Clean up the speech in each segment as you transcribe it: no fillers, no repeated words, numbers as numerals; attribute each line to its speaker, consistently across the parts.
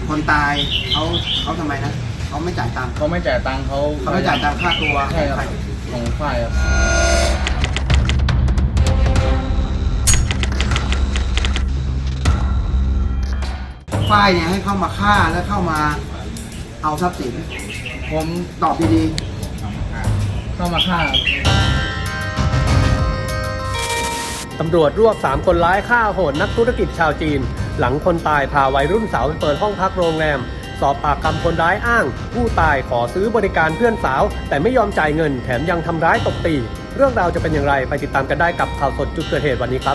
Speaker 1: คนตายเขาทำไมนะเขาไม่จ่ายตังค์
Speaker 2: เขาไม่จ่ายตังค์เขา
Speaker 1: ไม่จ่ายตังค่าตัว
Speaker 2: ใช่ครับของฝ่ายครับ
Speaker 1: ฝ้ายเนี่ยให้เข้ามาฆ่าแล้วเข้ามาเอาทรัพย์สิน
Speaker 2: ผม
Speaker 1: ตอบดี
Speaker 2: เข้ามาฆ่า
Speaker 3: ตำรวจรวบ3คนร้ายฆ่าโหดนักธุรกิจชาวจีนหลังคนตายพาวัยรุ่นสาวไปเปิดห้องพักโรงแรมสอบปากคำคนร้ายอ้างผู้ตายขอซื้อบริการเพื่อนสาวแต่ไม่ยอมจ่ายเงินแถมยังทำร้ายตบตีเรื่องราวจะเป็นอย่างไรไปติดตามกันได้กับข่าวสดจุดเกิดเหตุวันนี้ครับ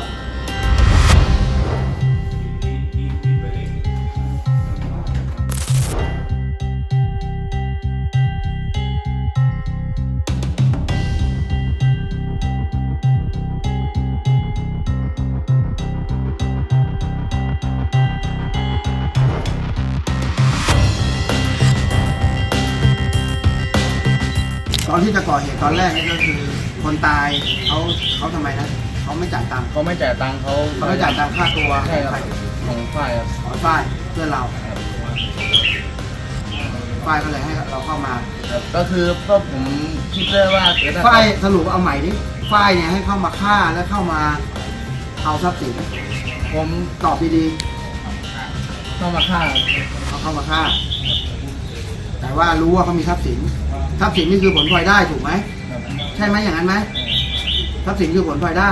Speaker 1: ๆตอนที่จะก่อเหตุตอนแรกนี่ก็คือคนตายเขาทำไมนะเขาไม่จ่ายตังค์
Speaker 2: เขาไม่จ่ายตังค์เขา
Speaker 1: ไม่จ่ายตังค่าตัว
Speaker 2: ใช่ครับของฝ่ายครับ
Speaker 1: ขอฝ้ายเพื่อนเราฝ้ายก็เลยให้เราเข้ามา
Speaker 2: ก็คือก็ผมคิดเลยว่าถ้
Speaker 1: ฝ้ายสรุปเอาใหม่ดิฝ้ายเนี่ยให้เข้ามาฆ่าแล้วเข้ามาเอาทรัพย์สิน
Speaker 2: ผม
Speaker 1: ตอบดี
Speaker 2: เข้ามาฆ่า
Speaker 1: ๆเขาเข้ามาฆ่า แต่ว่ารู้ว่าเขามีทรัพย์สินทรัพย์สินนี่คือผลพลอยได้ถูกไหม
Speaker 2: ครับ
Speaker 1: ใช่ไหมอย่างนั้นไหมทรัพย์สินคือผลพลอยได้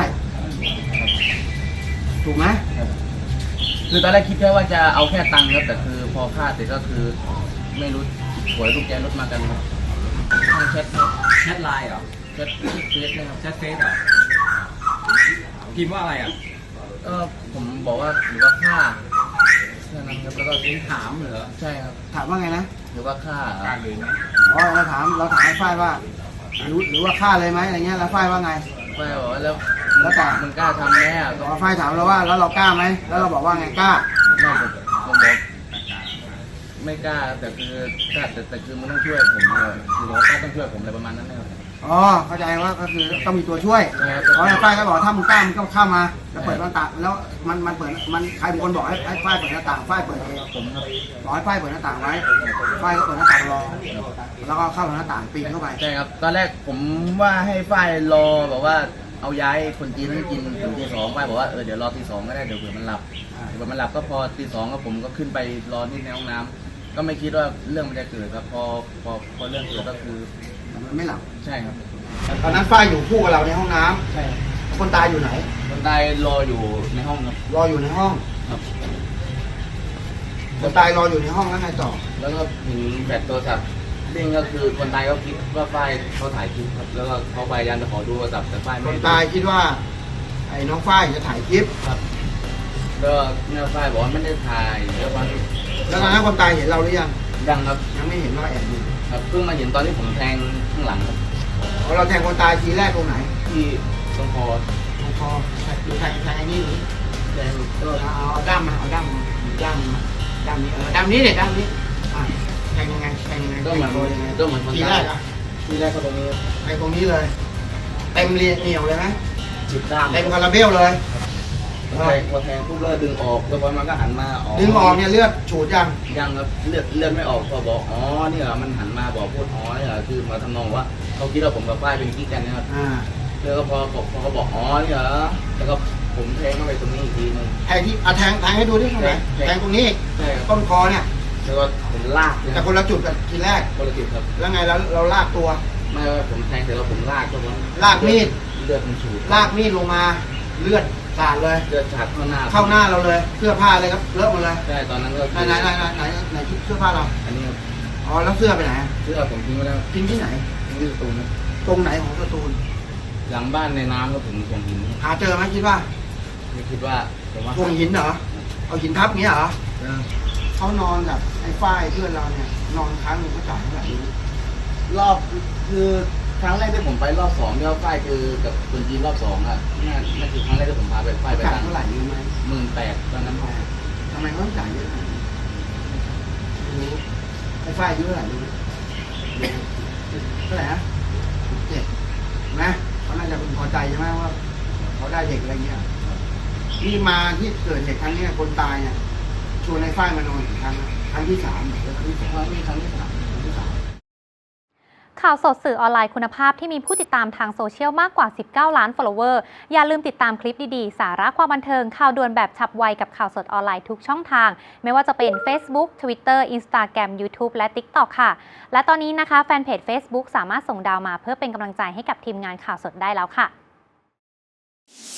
Speaker 1: ถูกไหม
Speaker 2: ครับคือตอนแรกคิดแค่ว่าจะเอาแค่ตังค์ครับแต่คือพอฆ่าเสร็จก็คือไม่รู้หวยลูกแกรถมากันครับทางแชทครับ
Speaker 4: แชทไลน์เหรอ
Speaker 2: แชทเฟซนะครับ
Speaker 4: แชทเฟซเหรอพิมพ์ว่าอะไรอ่ะ
Speaker 2: ก็ผมบอกว่าหรือว่าฆ่าแค่นั้นครับแล้วก็
Speaker 4: เองถามเหรอ
Speaker 2: ใช่ครับ
Speaker 1: ถามว่าไงนะ
Speaker 2: หรือว่าฆ่า
Speaker 4: การเลยนะ
Speaker 1: อ๋อเราถามให้ฝ้ายว่ารู้หรือว่าฆ่าเลยไหมอะไรเงี้ยแล้วฝ้ายว่าไง
Speaker 2: ไม่บอกว่าแล้ว
Speaker 1: แล้วแต่
Speaker 2: มึงกล้าทำไหมอ่ะ
Speaker 1: บอกว่าฝ้ายถามเราว่าแล้วเรากล้าไหมแล้วเราบอกว่าไงกล้า
Speaker 2: ไม่ผมบอกไม่กล้าแต่คือกล้าแต่คือมันต้องช่วยผมเลยคือบอกว่ากล้าต้องช่วยผมอะไรประมาณนั้นนะครับ
Speaker 1: อ๋อเข้าใจว่าก็คือต้องมีตัวช่วย
Speaker 2: ใช่ครับ
Speaker 1: เพราะฝ้ายก็บอกถ้ามึงกล้ามึงก็เข้ามาแล้วเปิดหน้าต่างแล้วมันเปิดมันใครเป็นคนบอกให้ฝ้ายเปิดหน้าต่างฝ้ายเปิดเอง
Speaker 2: ผมครับ
Speaker 1: บอกให้ฝ้ายเปิดหน้าต่างไว้ฝ้ายก็เปิดหน้าต่างรอแล้วก็เข้าหน้าต่างปีนเข้าไป
Speaker 2: ใช่ครับตอนแรกผมว่าให้ฝ้ายรอแบบว่าเอาย้ายคนจีนให้กินถึงตี 2ฝ้ายบอกว่าเดี๋ยวรอตี 2ก็ได้เดี๋ยวเผื่อมันหลับเผื่อมันหลับก็พอตี 2ก็ผมก็ขึ้นไปรอที่ในห้องน้ำก็ไม่คิดว่าเรื่องมันจะเกิดครับพอเรื่องเกิดก็คือ
Speaker 1: มันไม่หลับ
Speaker 2: ใช่ครับ
Speaker 1: ตอนนั้นฝ้ายอยู่คู่กับเราในห้องน้ำ
Speaker 2: ใช่ครับ
Speaker 1: คนตายอยู่ไหน
Speaker 2: คนตายรออยู่ในห้องครับ
Speaker 1: รออยู่ในห้อง
Speaker 2: ครับ
Speaker 1: คนตายรออยู่ในห้องแล้วไงต่อ
Speaker 2: แล้วก็ถึงแบตโทรศัพท์เด้งก็คือคนตายก็คิดว่าฝ้ายเขาถ่ายคลิปครับแล้วก็เขาพยายามจะขอดูโทรศัพท์แต่ฝ้าย
Speaker 1: ค
Speaker 2: ไม่
Speaker 1: น
Speaker 2: ได้
Speaker 1: ตายคิดว่าไอ้น้องฝ้ายจะถ่ายคลิป
Speaker 2: ครับแล้วเนี่ยฝ้ายบอกว่าไม่ได้ถ่ายแล้ววัน
Speaker 1: แล้วตอนนั้นคนตายเห็นเราหรือยัง
Speaker 2: ยังครับ
Speaker 1: ยังไม่เห็นว่าแอบอยู่
Speaker 2: ครับเพิ่งมาเห็นตอนที่ผมแทงข้างหลังครับ
Speaker 1: พอเราแทงคนตายทีแรกตรงไหน
Speaker 2: ที่ตรงคอ
Speaker 1: ตรงคอดูแทงไอ้นี่หรือ
Speaker 2: แทง
Speaker 1: เอาด้ามมาเอาด้ามมาด้ามมาด้ามนี้ด้ามนี้เนี่ยด้ามนี้อ่ะแทงยังไง
Speaker 2: ก็เหมือน
Speaker 1: โดนยังไง
Speaker 2: ก็เหมือนคน
Speaker 1: ทีแร
Speaker 2: ตาย
Speaker 1: กอ่ะ
Speaker 2: ทีแรกก็ตรงนี้
Speaker 1: ไอ้ตรงนี้เลยเต็มเรียเหนียวเลยไหม
Speaker 2: จิบด้าม
Speaker 1: เต็มคาราเบลเลย
Speaker 2: พอแทงปุ๊บแล้วดึงออกแล้วพอมันก็หันมา
Speaker 1: ดึงออกเนี่ยเลือดฉูดยัง
Speaker 2: ยังครับเลือดไม่ออกพอบอกอ๋อนี่เหรอมันหันมาบอกพูดอ๋อนี่เหรอคือมาทำนองว่าเขาคิดว่าผมกับฝ้ายเป็นกิ๊กกันนะครับ แล้วก็พอเขาบอกอ๋อนี่เหรอแล้วก็ผมแทงเข้าไปตรงนี้อีกทีนึง
Speaker 1: แทงที่แทงให้ดูดิตรงไหนแทงตรงนี้
Speaker 2: ใช่ครับ
Speaker 1: ต้นคอเนี่ย
Speaker 2: แล้วก็ผมลากนะค
Speaker 1: แต่
Speaker 2: รับ
Speaker 1: คนละจุดกับทีแรก
Speaker 2: คนละจุดครับ
Speaker 1: แล้วไงเราลากตัว
Speaker 2: ไม่ว่าผมแทงเสร็จแล้วผมลากก็มัน
Speaker 1: ลากมีด
Speaker 2: เลือดมันฉูด
Speaker 1: ลากมีดลงมาเลือดสาดเลย
Speaker 2: เลือดฉาดเข้าหน้า
Speaker 1: เข้าหน้าเราเลยเสื้อผ้าเลยครับเลอะหมดเลย
Speaker 2: ใช่ตอนนั้นก็
Speaker 1: ไหนชุดเสื้อผ้าเรา
Speaker 2: อันนี้ครับ
Speaker 1: อ๋อแล้วเสื้อไปไหน
Speaker 2: เสื้อผมทิ้งไว้แล้ว
Speaker 1: ทิ้งที่ไหน
Speaker 2: ทิ้งที่สตูนครับ
Speaker 1: ตรงไหนของสตูล
Speaker 2: หลังบ้านในน้ำก็ผมส่งหิน
Speaker 1: หาเจอไหมคิดว่า
Speaker 2: ไม่คิดว่าผมว่า
Speaker 1: วงหินเหรอเอาหินทับเงี้ยเหรอเขานอนกับไอ้ฝ้ายเพื่อนเราเนี่ยนอนค้างหนึ่งเขาจ่ายเท่าไหร่
Speaker 2: รอบคือครั้งแรกที่ผมไปรอบ2เนี่ยฝ้ายคือกับคนจีนรอบ2อ่ะนั่นคือครั้งแรกที่ผมพาไปฝ้ายไป
Speaker 1: จ่าย
Speaker 2: ตั้ง
Speaker 1: เท่าไหร่รู้ไหม
Speaker 2: 18,000ตอนนั้น
Speaker 1: ทำไมเขาต้องจ่ายเยอะขนาดนี้ไม่รู้ไอ้ฝ้ายอายุเท่าไหร่รู้ไหมเท่าไหร่นะ17นะเขาน่าจะพึงพอใจใช่ไหมว่าเขาได้เด็กอะไรเงี้ยนี่มาที่เกิดเหตุครั้งเนี้ยคนตายเนี่ยชวนไอ้ฝ้ายมานอนอีกครั้งนะครั้งที่3แล้วครั้งที่2
Speaker 2: มีครั้งที่ 3
Speaker 5: ข่าวสดสื่อออนไลน์คุณภาพที่มีผู้ติดตามทางโซเชียลมากกว่า 19 ล้าน follower อย่าลืมติดตามคลิปดีๆ สาระความบันเทิง ข่าวด่วนแบบฉับไวกับข่าวสดออนไลน์ทุกช่องทาง ไม่ว่าจะเป็น Facebook Twitter Instagram YouTube และ TikTok ค่ะ และตอนนี้นะคะแฟนเพจ Facebook สามารถส่งดาวมาเพื่อเป็นกำลังใจให้กับทีมงานข่าวสดได้แล้วค่ะ